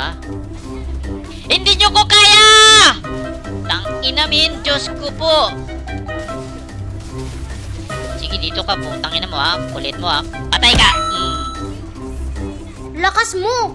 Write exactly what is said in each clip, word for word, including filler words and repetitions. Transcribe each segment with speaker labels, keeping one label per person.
Speaker 1: ah? Hindi nyo ko kaya! Tang inamin, Diyos ko po. Sige, dito ka po. Tang ina mo ha. Kulit mo ha. Patay ka! Mm.
Speaker 2: Lakas mo!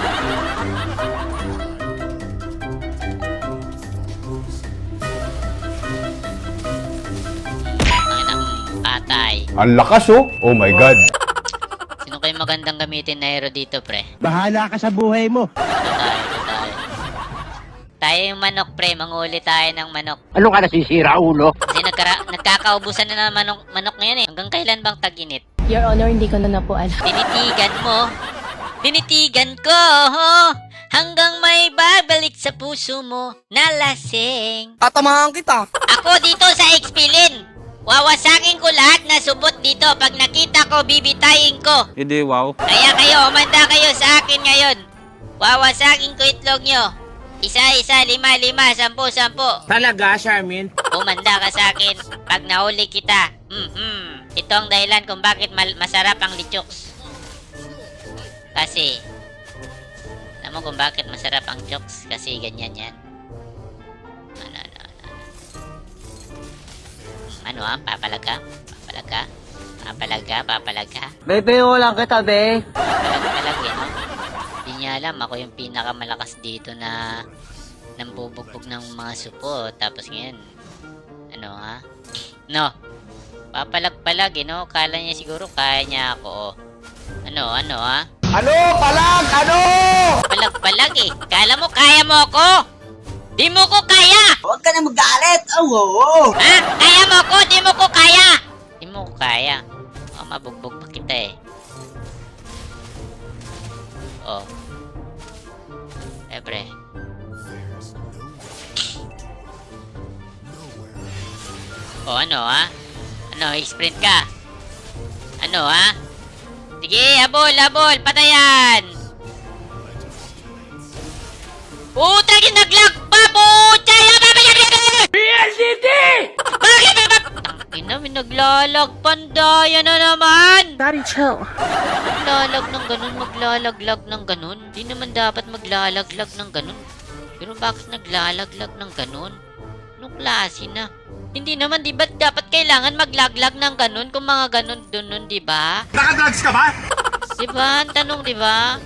Speaker 1: Tang ina, mm, patay.
Speaker 3: Ang lakas oh. Oh my God.
Speaker 1: Sino kayo magandang gamitin na hero dito, pre?
Speaker 4: Bahala ka sa buhay mo.
Speaker 1: Ito tayo, ito tayo. Tayo yung manok, pre. Manguli tayo ng manok.
Speaker 4: Ano ka nasisira, ulo?
Speaker 1: Kasi nagkara nagkakaubusan na ng manok, manok ngayon eh. Hanggang kailan bang tag-init?
Speaker 2: Your Honor, hindi ko na na po alam.
Speaker 1: Tinitigan mo. Tinitigan ko. Oh, hanggang may babalik sa puso mo na lasing.
Speaker 5: Tatamahan kita.
Speaker 1: Ako dito sa Expilin. Wawasakin ko lahat na subot dito. Pag nakita ko, bibitayin ko.
Speaker 6: Hindi, wow.
Speaker 1: Kaya kayo, umanda kayo sa akin ngayon. Wawasakin ko itlog nyo. Isa-isa, lima-lima, sampu-sampu.
Speaker 5: Talaga, Charmin?
Speaker 1: Umanda ka sa akin pag nahuli kita. Mm-hmm. Ito ang dahilan kung bakit mal- masarap ang lichoks. Kasi, alam mo kung bakit masarap ang chokes? Kasi ganyan yan. Ano, ano, ano. Ano ah? Papalag ka? Papalag ka? Papalag ka? Papalag ka?
Speaker 4: Bebe, lang kita, be.
Speaker 1: Papalag eh, no? Hindi niya alam, ako yung pinakamalakas dito na nambubugbog ng mga supo. Tapos ngayon, ano ha? No, papalag-palag eh, no? Kala niya siguro kaya niya ako, oh. Ano, ano ha?
Speaker 4: Ano? Palag! Ano?
Speaker 1: Palag-palag eh. Kala mo kaya mo ako? Di mo ko kaya!
Speaker 5: Huwag ka na magalit. Oh, oo.
Speaker 1: Ha? Kaya mo ko? Di mo ko kaya! Di mo ko kaya. Oh, mabugbog pa kita eh. Oh. Siyempre. Oh, ano ha? Ano, sprint ka? Ano ha? Sige, habol, habol, patayan! Puta, ginaglag pa! Puta, B L C D! Bakit ba? Tangina, may naglalag. Pandaya na naman!
Speaker 2: Daddy, chill.
Speaker 1: Maglalag ng ganun, maglalaglag ng ganun. Di naman dapat maglalaglag ng ganun. Pero bakit naglalaglag ng ganun? Anong klase na? Hindi naman, di ba dapat kailangan maglaglag ng ganun kung mga ganun dun, di ba?
Speaker 4: Nakadrugs ka ba?
Speaker 1: Di ba? Ang tanong, di ba?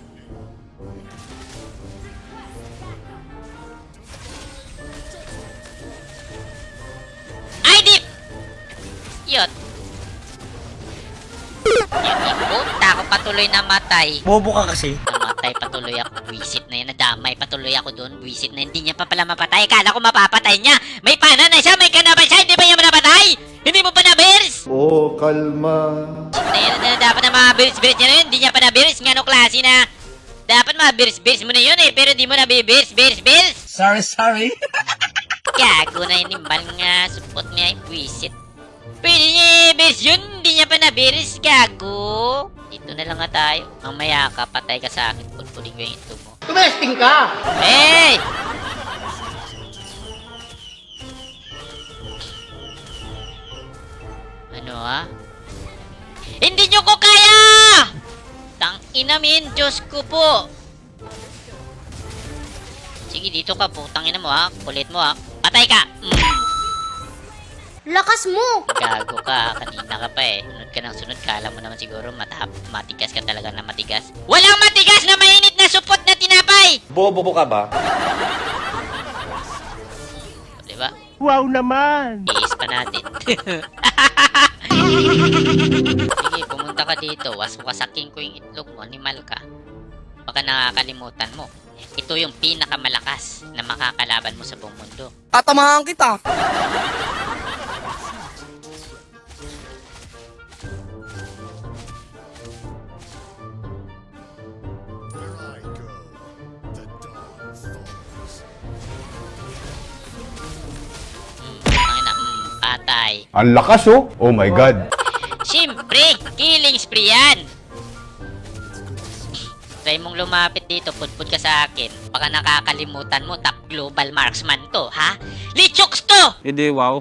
Speaker 1: Ay, di! Yot. Yan, ipunta ako patuloy na matay.
Speaker 4: Bobo ka kasi.
Speaker 1: Namatay patuloy ako. Buisit na yan. Nadamay patuloy ako doon. Buisit na hindi niya pa pala mapatay. Kala ko mapapatay niya. May pana na siya. May kanaban siya. Hindi ba niya manapatay? Hindi mo pa na-bears?
Speaker 3: Oh, kalma.
Speaker 1: Na yun na dapat na mga bears-bears niya na yun. Hindi niya pa na-bears. Nga no klase na. Dapat mga bears-bears mo na yun eh. Pero di mo na bears-bears-bears.
Speaker 5: Sorry, sorry.
Speaker 1: Gago na yun. Imbal nga. Support niya yung buisit. Pwede niya bears yun. Hindi niya pa na-bears. Gago. Dito na lang nga tayo. Mamaya ka. Patay ka sa akin. Pulpulin ko yung ito mo.
Speaker 5: Tumesting ka.
Speaker 1: Hey! Ano ha? Hindi nyo ko kaya! Tang inamin, Diyos ko po! Sige, dito ka po. Tang ina mo ha. Kulit mo ha. Patay ka! Mm.
Speaker 2: Lakas mo!
Speaker 1: Gago ka. Kanina ka pa eh. Sunod ka ng sunod. Kala mo naman siguro matap matigas ka talaga na matigas. Walang matigas na mainit na supot na tinapay!
Speaker 6: Bobo ka ba?
Speaker 1: Diba?
Speaker 4: Wow naman.
Speaker 1: Iis pa natin. Sige, pumunta ka dito. Waswasakin ko yung itlog mo. Animal ka. Baka nakakalimutan mo. Ito yung pinakamalakas na makakalaban mo sa buong mundo.
Speaker 5: Tatamahan kita.
Speaker 1: Ang ina, mm, patay.
Speaker 3: Ang lakas oh. Oh my God.
Speaker 1: Siyempre, killing spree yan. Try mong lumapit dito, pudpud ka sa akin. Baka nakakalimutan mo, top global marksman to, ha? Lichoks to!
Speaker 6: Hindi, wow.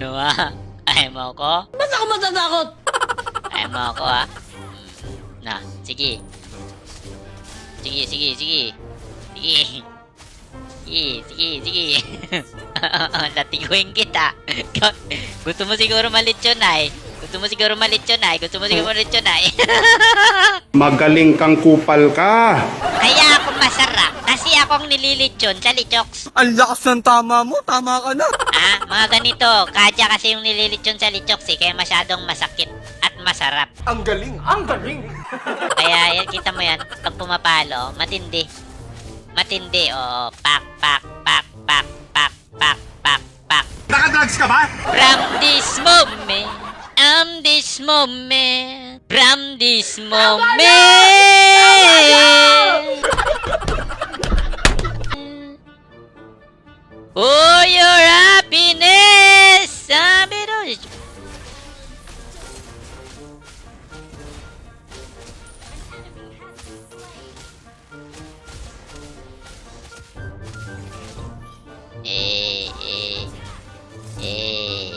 Speaker 1: Ano ha? Ayaw mo ako?
Speaker 5: Ba't ako matatakot?
Speaker 1: Ayaw mo ako ha? Hmm. Na, sige. Sige, sige, sige. Sige. Sige, sige, sige. Latiguin kita. Gusto mo siguro malitsyon ay. Gusto mo siguro malitsyon ay. Gusto mo siguro malitsyon ay.
Speaker 3: Magaling kang kupal ka.
Speaker 1: Kaya ako masarap. Kasi akong nililitsyon sa lichoks.
Speaker 5: Ang lakas ng tama mo. Tama ka na.
Speaker 1: Ah, mga ganito. Kadya kasi yung nililitsyon sa lichoks eh. Kaya masyadong masakit at masarap.
Speaker 4: Ang galing, ang galing.
Speaker 1: Kaya yan, kita mo yan. Pag pumapalo, matindi. Matindi, oo. Pak, pak, pak, pak, pak, pak, pak, pak.
Speaker 4: Nakadrugs ka ba?
Speaker 1: From this moment, um, this moment, from this moment. For your happiness, sabi doon. Eh, eh, eh.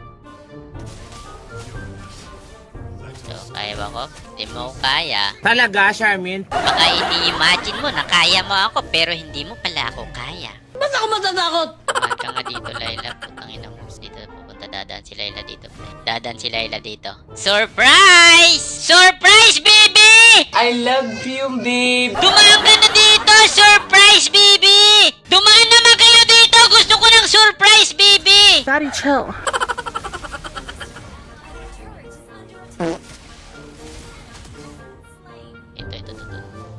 Speaker 1: So, kaya ba ko? Hindi mo ko kaya.
Speaker 5: Talaga, Charmin?
Speaker 1: Baka ini-imagine mo na kaya mo ako, pero hindi mo pala ako kaya.
Speaker 5: Ba't ako matatakot?
Speaker 1: Tumahan ka nga dito, Laila. Putang ina mo. Dito pupunta. Dadaan si Laila dito. Dadaan si Laila dito. Surprise! Surprise, baby!
Speaker 5: I love you, babe.
Speaker 1: Dumaan ka na dito! Surprise, baby! Dumaan naman kayo dito! Gusto ko ng surprise, baby!
Speaker 2: Daddy, chill.
Speaker 1: Ito, ito, ito, ito.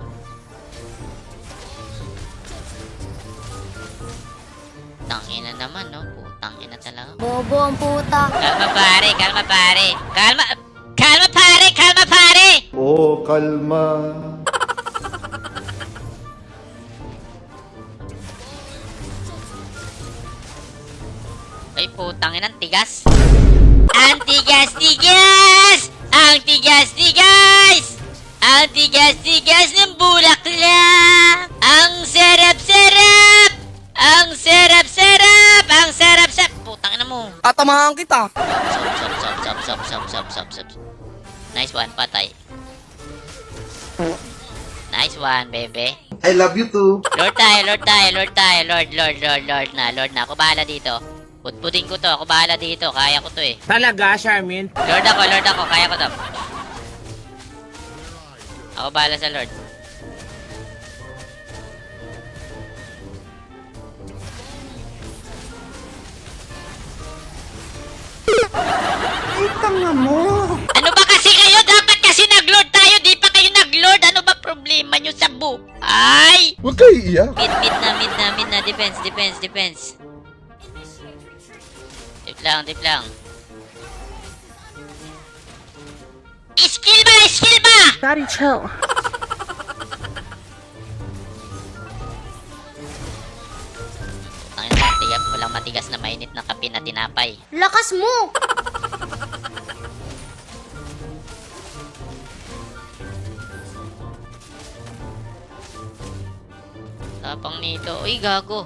Speaker 1: Tangina naman, no? Putangina talaga.
Speaker 2: Bobo ang puta.
Speaker 1: Kalma, pare! Kalma, pare! Kalma! Kalma, pare! Kalma, pare!
Speaker 3: Oh, kalma.
Speaker 1: Ay, putangin ang tigas. Ang tigas-tigas! Ang tigas-tigas! Ang tigas-tigas ng bulaklak! Ang sarap-sarap! Ang sarap-sarap! Ang sarap-sarap! Putangin na mo!
Speaker 5: Tatamahan kita.
Speaker 1: Sop, sop, sop, sop, sop, sop, sop, sop, sop. Nice one, patay. Nice one, bebe.
Speaker 3: I love you too.
Speaker 1: Lord tayo, Lord tayo, Lord tayo, Lord, Lord, Lord, Lord na, Lord na. Ako bahala dito. Putputin ko to, ako bahala dito. Kaya ko to eh.
Speaker 5: Talaga, Charmin?
Speaker 1: Lord ako, Lord ako, kaya ko to. Ako bahala sa Lord.
Speaker 5: Ay, tanga mo.
Speaker 1: Ano ba kasi kayo? Dapat kasi nag-Lord tayo, di pa kayo nag-Lord. Ano ba problema nyo sa buhay?
Speaker 3: Huwag kayo iiyak.
Speaker 1: Mid, mid na, mid na, mid na. Defense, defense, defense. Tip lang, tip lang. Skill ba? Skill ba?
Speaker 2: Daddy, chill.
Speaker 1: Ang matigas, walang matigas na mainit na kape na tinapay.
Speaker 2: Lakas mo!
Speaker 1: Tapang nito. Uy, gago.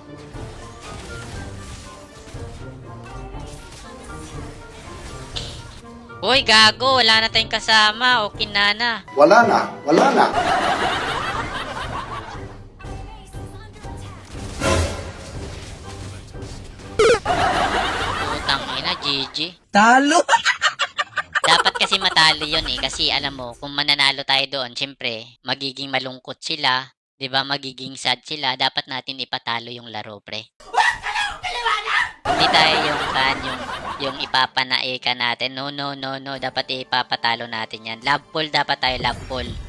Speaker 1: Uy, gago. Wala na tayong kasama. Okay na na.
Speaker 3: Wala na, wala na.
Speaker 1: Putang ina, G G.
Speaker 5: Talo.
Speaker 1: Dapat kasi matalo yun eh. Kasi alam mo, kung mananalo tayo doon, syempre, magiging malungkot sila. 'Di ba? Magiging sad sila. Dapat natin ipatalo yung laro, pre. Hindi tayo yung kan, yung, yung ipapanae ka natin. No, no, no, no. Dapat ipapatalo natin yan. Love pool dapat tayo, love pool.